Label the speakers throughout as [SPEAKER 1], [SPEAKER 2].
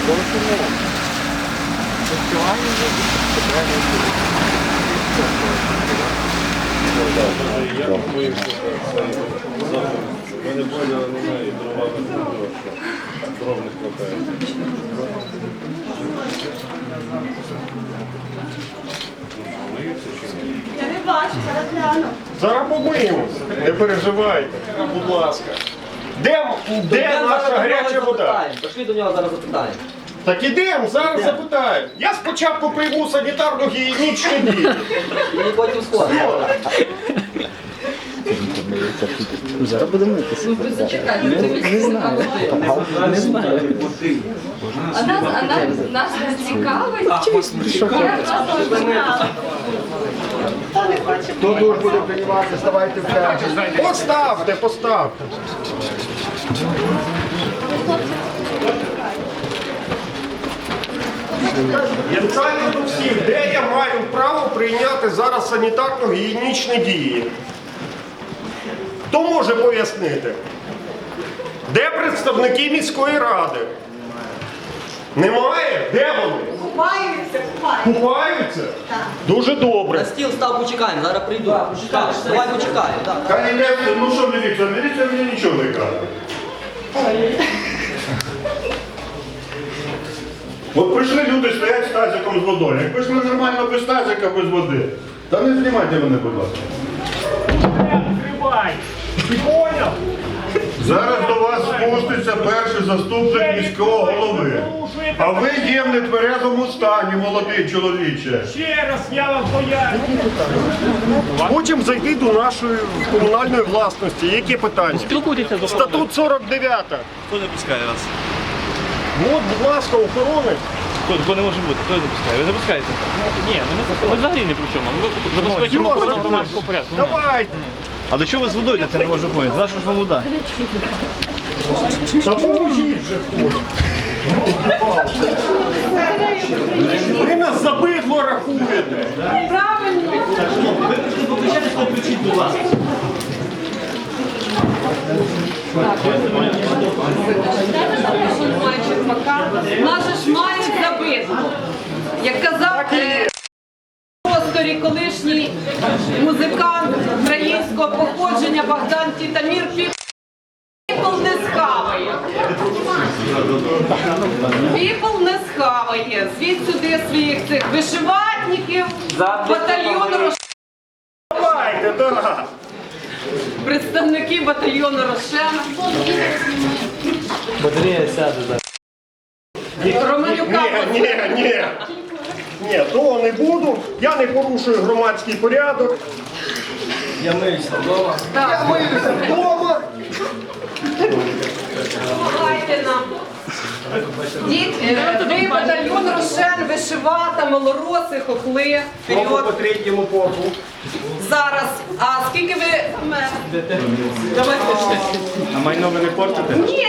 [SPEAKER 1] Я не понял, не знаю, дрова дров не хватає.
[SPEAKER 2] Я не бачу, зараз гляну.
[SPEAKER 3] Зараз помиємося, не переживайте, будь ласка. Де наша гаряча вода?
[SPEAKER 4] Пішли до нього зараз запитаємо.
[SPEAKER 3] Так ідемо, зараз запитаємо. Я спочатку прийму санітарно-гігієнічні дії.
[SPEAKER 4] І потім сходимо.
[SPEAKER 5] Зараз будемо митися. Не знаю. Не знаю.
[SPEAKER 2] А нас не цікавить.
[SPEAKER 3] Хто дуже буде приймати, ставайте в чергу. Поставте, поставте. Я питаю до всіх, де я маю право прийняти зараз санітарно-гігієнічні дії? Хто може пояснити? Де представники міської ради? Немає? Де вони?
[SPEAKER 2] Купаються.
[SPEAKER 3] Купаються?
[SPEAKER 2] Так.
[SPEAKER 3] Дуже добре.
[SPEAKER 4] На стіл став, почекаємо, зараз прийду. Давай почекаємо.
[SPEAKER 3] Ну що, міліція мені нічого не каже. От прийшли люди, стоять з тазиком з водою. Як прийшли нормально без тазика, без води. Та не знімайте мене, будь ласка.
[SPEAKER 6] Відкривай! Ти поняв?
[SPEAKER 3] Зараз до вас спуститься перший заступник міського голови. А ви є в нетверезому стані, молодий чоловіче.
[SPEAKER 6] Ще раз я вам поясню.
[SPEAKER 3] Хочемо зайти до нашої комунальної власності. Які питання?
[SPEAKER 6] Спілкуйтеся з
[SPEAKER 3] Статут 49.
[SPEAKER 1] Хто не пускає вас?
[SPEAKER 3] От, будь ласка, охоронець.
[SPEAKER 1] Хто не може бути? Хто не запускає? Ви запускаєте?
[SPEAKER 6] Ні, ми взагалі не при чому. Ми забезпечимо охорону громадського порядку.
[SPEAKER 3] Давайте.
[SPEAKER 1] А до чого ви з водою? Це не можу поняти. За що ж вам вода?
[SPEAKER 3] Та поможіть же хтось. Ви нас за бидло рахуєте.
[SPEAKER 2] Правильно. Нас же ж мають забити. Як казав в просторі колишній музикант українського походження Богдан Тітамір, піпл не схаває. Піпл не схаває. Звідь сюди своїх цих вишиватників, батальйону
[SPEAKER 3] Давайте, да.
[SPEAKER 2] представники батальйону Рошена.
[SPEAKER 5] Батарея сяде зараз.
[SPEAKER 2] Романюка.
[SPEAKER 3] Ні, того не буду. Я не порушую громадський порядок.
[SPEAKER 5] Я миюся вдома.
[SPEAKER 2] Так,
[SPEAKER 3] Миюся вдома.
[SPEAKER 2] допомагайте нам. Ви батальйон Рошен, вишивата, малороси, хохли.
[SPEAKER 3] По
[SPEAKER 2] Вперед.
[SPEAKER 3] третьому попу.
[SPEAKER 2] Зараз. А скільки ви... Давайте ще.
[SPEAKER 1] А майно ви не портите?
[SPEAKER 2] Ні.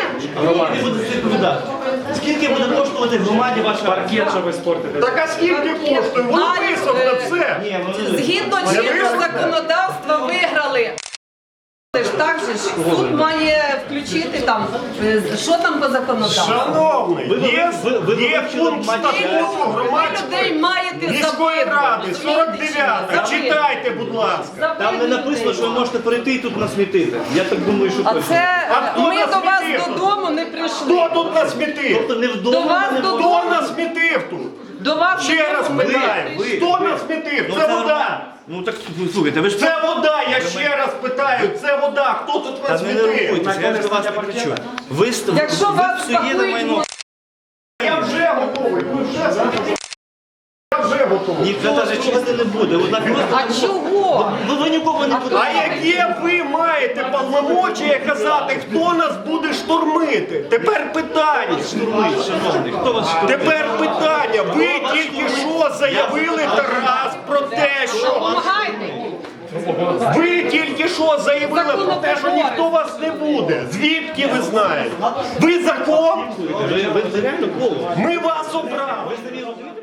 [SPEAKER 1] Скільки буде коштувати в громаді ваша паркет, що ви спортите?
[SPEAKER 3] Так а скільки коштує? Воно висохне все.
[SPEAKER 2] Згідно чинного законодавства виграли. Це ж так же ж суд має включити там, що там по законодавству.
[SPEAKER 3] Шановний, є пункт статуту
[SPEAKER 2] Ви людей маєте
[SPEAKER 3] міської ради,
[SPEAKER 2] забити.
[SPEAKER 3] 49. Читайте, будь ласка.
[SPEAKER 1] Там не написано, що ви можете перейти і тут насмітити. Я так думаю, що
[SPEAKER 2] А
[SPEAKER 1] точно.
[SPEAKER 2] це
[SPEAKER 3] А хто
[SPEAKER 2] ми
[SPEAKER 3] нас
[SPEAKER 2] до вас
[SPEAKER 3] смітив тут?
[SPEAKER 2] додому не прийшли.
[SPEAKER 3] Хто тут насмітив?
[SPEAKER 1] Тобто не
[SPEAKER 2] До
[SPEAKER 1] вдома,
[SPEAKER 2] вас
[SPEAKER 1] не
[SPEAKER 2] додому.
[SPEAKER 3] Хто насмітив тут?
[SPEAKER 2] До вас
[SPEAKER 3] Ще раз
[SPEAKER 2] додому ми не
[SPEAKER 3] питаю.
[SPEAKER 2] прийшли.
[SPEAKER 3] Хто насмітив? Це вода.
[SPEAKER 1] Ну так слухайте, ви ж
[SPEAKER 3] Це вода, я ще раз питаю. Це вода. Хто тут
[SPEAKER 1] Та не
[SPEAKER 3] насмітив?
[SPEAKER 1] нервуйтеся, я ж до вас не кричу. Ви
[SPEAKER 2] Якщо вас
[SPEAKER 1] псуєте
[SPEAKER 2] пакують,
[SPEAKER 1] майно.
[SPEAKER 3] Я вже готовий. Ви вже знаєте. Я вже готовий.
[SPEAKER 1] Ніхто навіть чисти не буде. Однак
[SPEAKER 2] А чого?
[SPEAKER 1] ви нікого не будете.
[SPEAKER 3] А яке ви маєте повномочія казати, хто нас буде штурмити? Тепер питання.
[SPEAKER 1] Штурмить, шановний. Хто вас штурмить?
[SPEAKER 3] Тепер питання. Ви тільки що заявили Тарас про те, що...
[SPEAKER 2] Допомагайте.
[SPEAKER 3] Ви тільки що заявили про те, що ніхто вас не буде. Звідки ви знаєте? Ви закон?
[SPEAKER 1] Ви реально коло.
[SPEAKER 3] Ми вас обрали.
[SPEAKER 1] Ви самі розумієте?